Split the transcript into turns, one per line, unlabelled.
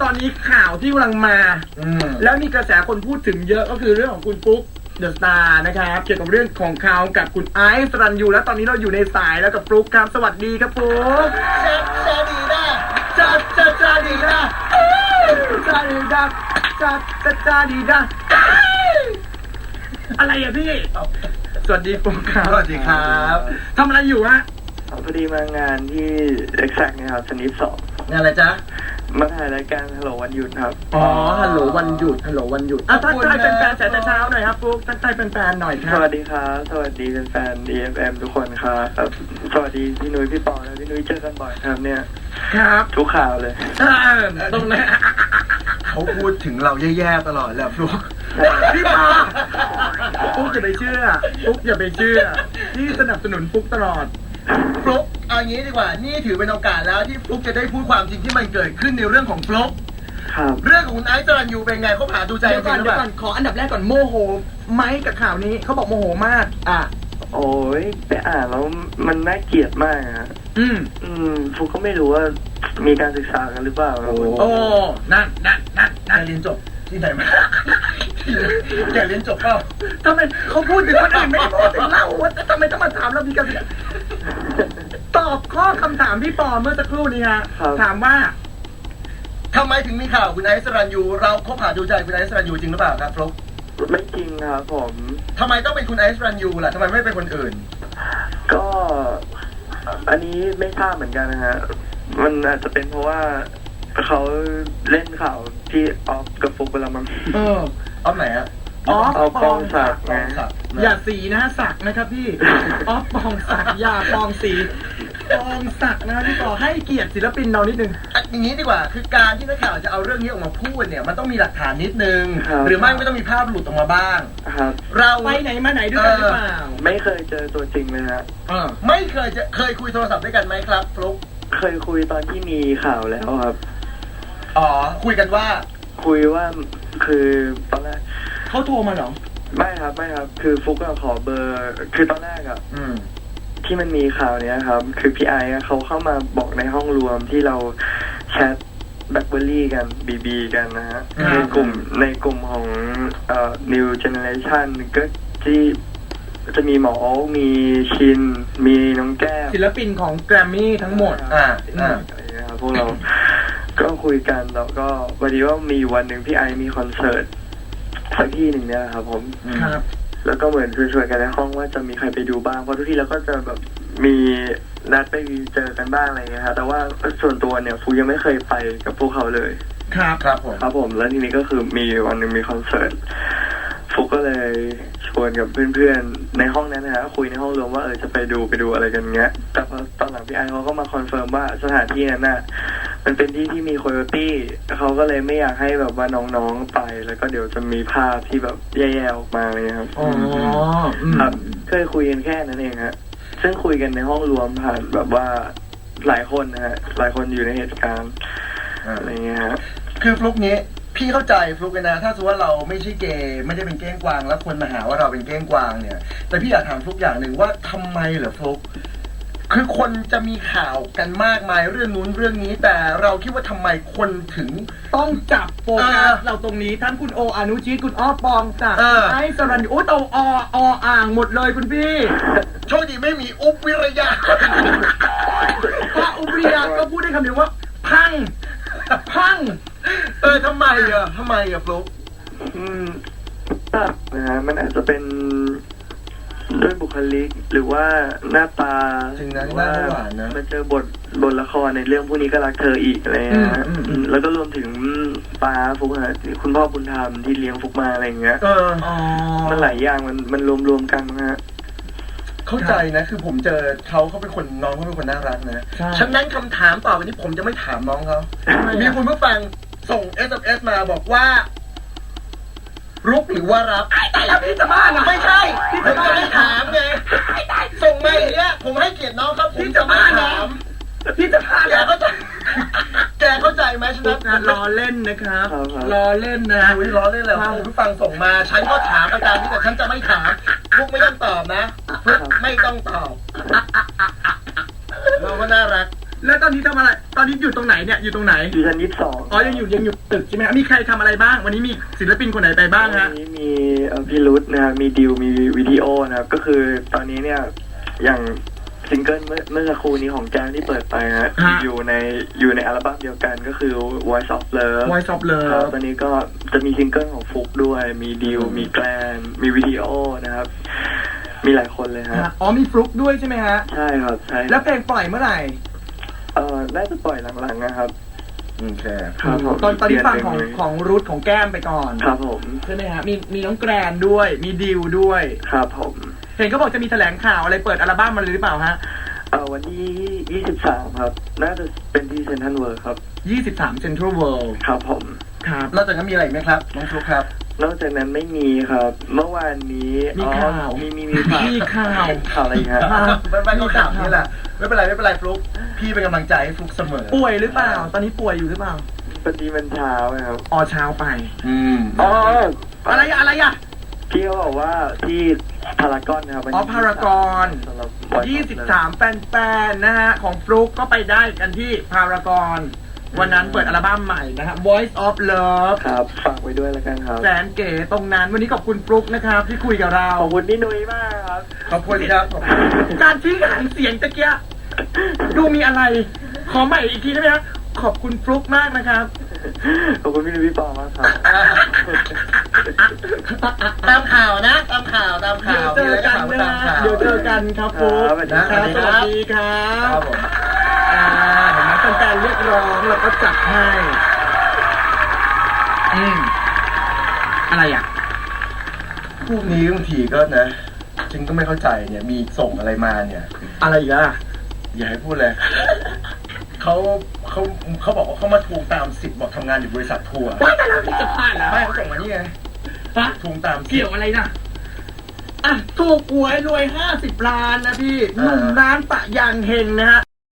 ตอนนี้ข่าวที่กำลังมาแล้วมีกระแสคนพูดถึงเยอะก็คือเรื่องของคุณปุ๊กเดอะสตาร์นะครับเกี่ยวกับเรื่องของเขากับคุณไอซ์สรัญยูและตอนนี้เราอยู่ในสายแล้วกับปุ๊กครับสวัสดีครับปุ๊ก
จะดีนะ
จะดีนะจะดีนะจะดีนะอะไรอะพี่สวัสดีปุ๊กครับ
สวัสดีครับ
ทำอะไรอยู่ฮะ
พอดีมางานที่ Exact นะครับสนิท2
งานอะไรจ๊ะ
มาถ่ายรายการฮัลโหลวันหยุดครับ
อ๋อฮัลโหลวันหยุดทักทายแฟนๆแต่เช้าหน่อยครับปุ๊กทักทายแฟนๆหน่อยครับ
สวัสดีครับสวัสดีแฟนๆ EFM ทุกคนครับสวัสดีพี่นุ้ยพี่ปอและพี่นุ้ยเจอกันบ่อยครับเนี่ย
ครับ
ทุกข่าวเลย
ตรงนั้น
เขาพูดถึงเราแย่ๆตลอดแหละฟลุ๊ก
พี่ปอปุ๊กอย่าไปเชื่อปุ๊กอย่าไปเชื่อที่สนับสนุนปุ๊กตลอด
ฟลุ๊กเอางี้ดีกว่านี่ถือเป็นโอกาสแล้วที่ฟลุ๊กจะได้พูดความจริงที่มันเกิดขึ้นในเรื่องของฟลุ๊กเรื่องของคุณไอซ์สรัญยูเป็นไงเขาหาดูใจ
เดี๋ยวก่อนขออันดับแรกก่อนโมโหไหมกับข่าวนี้เขาบอกโมโหมาก
โอ้ยไปอ่านแล้วมันน่าเกลียดมากอ่ะฟุกก็ไม่รู้ว่ามีการศึกษากันหรือเปล่า
โอ้นั่น
เรียนจบที่ไหนมาแกเรียนจบเปล่า
ทำไมเขาพูดถึงคนอื่นไม่พูดถึงเราว่าทำไมต้องมาถามเรามีการตอบข้อคำถามพี่ปอเมื่อสักครู่นี้ฮะถามว่า
ทำไมถึงมีข่าวคุณไอซ์สรัญยูเราคบหาดูใจคุณไอซ์สรัญยูจริงหรือเปล่าครับฟลุ๊ก
ไม่จริงครับผม
ทำไมต้องเป็นคุณไอซ์สรัญยูล่ะทำไมไม่เป็นคนอื่น
ก็อันนี้ไม่ทราบเหมือนกันนะฮะมันอาจจะเป็นเพราะว่าเขาเล่นข่าวที่ออฟกับฟุกไปแล้วมั้ง
ออฟไหนอะ
ออฟปองศักดิ์ไง
อย่าสีนะศักดิ์นะครับพี่ออฟปองศักดิ์อย่าปองสีปองศักดิ์นะพี่ต่อให้เกียรติศิลปินเรานิดนึง
อย่างนี้ดีกว่าคือการที่นักข่าวจะเอาเรื่องนี้ออกมาพูดเนี่ยมันต้องมีหลักฐานนิดนึงหรือไม่ก็ต้องมีภาพหลุดออกมาบ้าง
เราไปไหนมาไหนด้วยกันหรือเปล่า
ไม่เคยเจอตัวจริงเลยฮะ
ไม่เคยคุยโทรศัพท์ด้วยกันไหมครับฟลุ๊ก
เคยคุยตอนที่มีข่าวแล้วครับ
คุยกันว่า
คุยว่าคือตอนแรก
เขาโทรมาเหรอ
ไม่ครับคือฟุกก็ขอเบอร์คือตอนแรกอ่ะที่มันมีข่าวเนี้ยครับคือพี่ไอเขาเข้ามาบอกในห้องรวมที่เราแชทแบล็คเบอร์รี่กันบีกันนะฮะในกลุ่มของNew Generation ก็ที่จะมีหมอมีชินมีน้องแก้ว
ศิลปินของแกรมมี่ทั้งหมด
พวกเราก็คุยกันแล้วก็วันนี้ว่ามีวันหนึ่งพี่ไอมีคอนเสิร์ตสักที่หนึ่งเนี่ยครับผมแล้วก็เหมือนชวนกันในห้องว่าจะมีใครไปดูบ้างเพราะทุกที่เราก็จะแบบมีนัดไปเจอกันบ้างอะไรเงี้ยครับแต่ว่าส่วนตัวเนี่ยฟูยังไม่เคยไปกับพวกเขาเลยครับผมแล้วทีนี้ก็คือมีวันหนึ่งมีคอนเสิร์ตฟุกก็เลยชวนกับเพื่อนๆในห้องนั้นนะฮะคุยในห้องรวมว่าจะไปดูอะไรกันเงี้ยแต่พอตอนหลังพี่ไอเขาก็มาคอนเฟิร์มว่าสถานที่นั้นน่ะมันเป็นที่มีโคโยตี้เขาก็เลยไม่อยากให้แบบว่าน้องๆไปแล้วก็เดี๋ยวจะมีภาพที่แบบแย่ๆออกมาเลยครับครับเคยคุยกันแค่นั้นเองฮะซึ่งคุยกันในห้องรวมผ่านแบบว่าหลายคนนะฮะหลายคนอยู่ในเหตุการณ์อะไรเงี้ยฮะ
คือฟลุ๊กนี้พี่เข้าใจฟลุ๊กนะถ้าสมมติว่าเราไม่ใช่เกย์ไม่ได้เป็นเก้งกวางแล้วคนมาหาว่าเราเป็นเก้งกวางเนี่ยแต่พี่อยากถามฟลุ๊กอย่างหนึ่งว่าทำไมเหรอฟลุ๊กคือคนจะมีข่าวกันมากมายเรื่องนู้นเรื่องนี้แต่เราคิดว่าทำไมคนถึง
ต้องจับโฟกัสเราตรงนี้ทั้งคุณโออนุชิตคุณอ้อปองจากไอซ์สรัญยูโตอ่างหมดเลยคุณพี่
โชคดีไม่มีอุบวิริยะ
ถ้าอุบวิริยะก็พูดได้คำเดียวว่าพัง
ทำไมฟลุ๊ก
นะฮะมันอาจจะเป็นด้วยบุคลิกหรือว่าหน้าตา
ถึงนั้นว่า
มันเจอบทละครในเรื่องพวกนี้ก็รักเธออีกอะไรนะแล้วก็รวมถึงป้าฟุกฮะคุณพ่อบุญธรรมที่เลี้ยงฟุกมาอะไรเงี้ยมันหลายอย่างมันรวมกันนะฮะ
เข้าใจนะคือผมเจอเขาเป็นคนน้องเขาเป็นคนน่ารักนะฉะนั้นคำถามต่อไปนี้ผมจะไม่ถามน้องเขามีคุณผู้ฟังส่ง SMS มาบอกว่ารุกหรือว่ารับ
แต่แล้วพี่จะบ้านะ
ไม่ใช่พี่จะไม่ถามไงส่งมาอย่างเงี้ยผมให้เกียรติน้องครับผมจะไม่ถาม
พี่จะบ้า
แกเข้าใจไหมฉะนั้น
ล้อเล่นนะครับล้อเล่นนะ
ล้อเล่นเลยคุณผู้ฟังส่งมาฉันก็ถามอาจารย์แต่ฉันจะไม่ถามฟุกไม่ต้องตอบนะฟุกไม่ต้องตอบเราก็น่ารัก
แล้วตอนนี้ทำอะไรตอนนี้อยู่ตรงไหนเนี่ยอยู่ตรงไหน
อยู่ชั้น22
อ๋อยังอยู่ตึกใช่ไหมมีใครทำอะไรบ้างวันนี้มีศิลปินคนไหนไปบ้างฮะ
วันนี้มีพี่รุธนะครับมีดิวมีวิดีโอนะครับก็คือตอนนี้เนี่ยอย่างซิงเกิลเมื่อสักครู่นี้ของแจ้งที่เปิดไปฮะอยู่ในอัลบั้มเดียวกันก็คือ Voice of Love
Voice of Love
ครับตอนนี้ก็จะมีซิงเกิลของฟุกด้วยมีดิวมีแกลนมีวิดีโอนะครับมีหลายคนเลยฮะ
อ๋อมีฟลุกด้วยใช่ไหมฮะ
ใช่ครับใช่
แล้วเพลงปล่อยเมื่อไหร่
น่าจะปล่อยหลังๆนะครับ
โอเค
ครับผม
ตอนนี้ฟังของรูทของแก้มไปก่อน
ครับผม
ใช่ไหมฮะมีน้องแกรนด้วยมีดิวด้วย
ครับผม
เห็นเขาบอกจะมีแถลงข่าวอะไรเปิดอัลบั้มมาเลยหรือเปล่าฮะ
วันที่23ครับน่าจะเป็นที่เซ็นทรัลเวิลด์ครับ
23 Central World
ครับผม
ครับ
นอกจากนั้นมีอะไรไหมครับน้องฟลุ๊กครับ
นอกจากนั้นไม่มีครับเมื่อวานนี้
มีข่าว
มีข่าวอะไรครับ
ไม่ต้องข่าวนี่แหละไม่เป็นไรฟลุ๊กพี่เป็นกำลังใจให้ฟลุ๊กเสมอ
ป่วยหรือเปล่าตอนนี้ป่วยอยู่หรือเปล่า
พอดีมันเช้าครับ
อ๋อเช้าไปอะไรอะ
พี่เขาบอกว่าที่พารากอนนะครับ
พารากอน23แฟนๆนะฮะของฟลุ๊กก็ไปได้กันที่พารากอนวันนั้นเปิดอัลบั้มใหม่นะครับ Voice of Love
ครับฝากไว้ด้วยแล้วกันครับ
แสนเก๋ตรงนั้นวันนี้ขอบคุณฟลุ๊กนะครับที่คุยกับเรา
ขอบคุณพี่นุ้ยมากครับ
ขอบคุณครับ
การชี้หางเสียงตะเกียดูมีอะไรขอใหม่อีกทีได้ไหมครับขอบคุณฟลุ๊กมากนะครับ
ขอบคุณพี่นุ้ยพี่ปอมากครับ
ตามข่าวนะตามข่าว
เดี๋ยวเจอกันครับฟลุ๊ก
นะครับ
สวัสดีครับเห็นไหมแฟนๆเรียกร้องแล้วก็จัดให้อะไรอ่ะ
พวกนี้บางทีก็นะจริงก็ไม่เข้าใจเนี่ยมีส่งอะไรมาเนี่ย
อะไรอีกอ่ะ
อย่าให้พูดเลยเขาบอกว่าเขามาทวงตามสิทธิ์บอกทำงานอยู่บริษัททัวร์
ว่าแต่เราจะพลาดแล้ว
ไม่เขาส่งมานี่ไงทวงตาม
เกี่ยวอะไรนะถูกหวยรวย50 ล้านนะพี่หนุ่มร้านปะยางเฮงนะฮะ